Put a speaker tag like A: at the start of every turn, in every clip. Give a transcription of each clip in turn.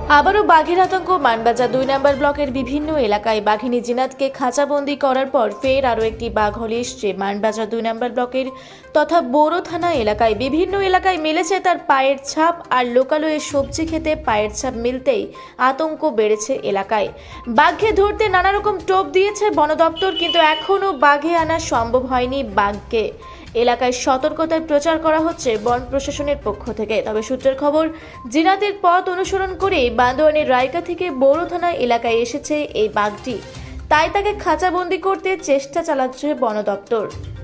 A: আবারও বাঘের আতঙ্ক মানবাজার ২ নম্বর ব্লকের বিভিন্ন এলাকায়। বাঘিনী জিনাতকে খাঁচাবন্দি করার পর ফের আরও একটি বাঘ হলে এসছে মানবাজার ২ নম্বর ব্লকের তথা বোরো থানা এলাকায়। বিভিন্ন এলাকায় মিলেছে তার পায়ের ছাপ, আর লোকালয়ে সবজি খেতে পায়ের ছাপ মিলতেই আতঙ্ক বেড়েছে এলাকায়। বাঘকে ধরতে নানা রকম টোপ দিয়েছে বন দপ্তর, কিন্তু এখনও বাঘে আনা সম্ভব হয়নি বাঘকে। এলাকায় সতর্কতার প্রচার করা হচ্ছে বন প্রশাসনের পক্ষ থেকে। তবে সূত্রের খবর, জিনাতের পথ অনুসরণ করে বান্দোয়ানের রায়কা থেকে বোরো থানা এলাকায় এসেছে এই বাঘটি, তাই তাকে খাঁচাবন্দি করতে চেষ্টা চালাচ্ছে বন দপ্তর।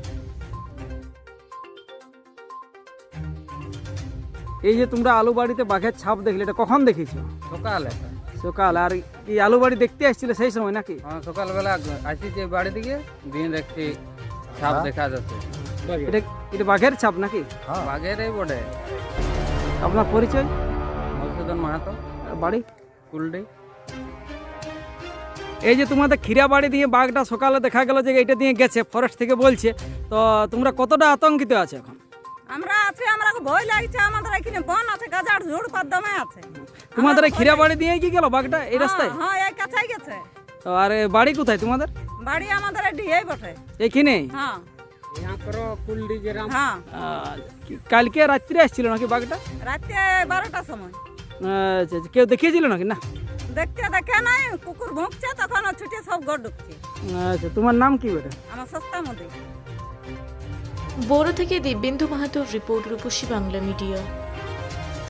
B: এই যে তোমরা আলু বাড়িতে বাঘের ছাপ দেখলে, এটা কখন দেখেছো?
C: সকালে।
B: সকাল। আর এই আলু বাড়ি দেখতে আসছিলে সেই সময় নাকি?
C: হ্যাঁ, সকালবেলা আসি যে বাড়ি থেকে দিন দেখছি ছাপ দেখা যাচ্ছে।
B: এটা এটা বাঘের ছাপ নাকি?
C: বাঘেরই বটে।
B: আপনার পরিচয়?
C: মধুসূদন মাহাতো,
B: আর বাড়ি?
C: কুলডি।
B: এই যে তোমাদের খিরা বাড়ি দিয়ে বাঘটা সকালে দেখা গেল যে এটা দিয়ে গেছে, ফরেস্ট থেকে বলছে, তো তোমরা কতটা আতঙ্কিত আছে এখন?
D: আমরা আছি, আমরা ভয় লাগছে। আমাদের এখানে বন আছে, গাজার ঝোড় পাদ্দামে আছে।
B: তোমাদের এই খিরা বাড়ি দিয়ে কি গেল বাঘটা এই রাস্তায়?
D: হ্যাঁ, এই কাছেই গেছে।
B: তো আর এ বাড়ি কোথায় তোমাদের?
D: বাড়ি আমাদের এই বটে।
B: এইখানে?
D: হ্যাঁ
C: কুলডি যে
D: হ্যাঁ।
B: কালকে রাত্রে আসছিল নাকি বাঘটা?
D: রাতে 12টার সময়।
B: আচ্ছা, কেউ দেখিয়েছিল নাকি? না,
D: দেখে নাই, কুকুর ভুঁকছে, তখন ও ছুটে সব ঘর ঢুকছে।
B: আচ্ছা, তোমার নাম কি বেটা?
D: আমার সস্তা মধ্যে।
A: বোরো থেকে দিব্যেন্দু মাহাতোর রিপোর্ট, রূপসী বাংলা মিডিয়া।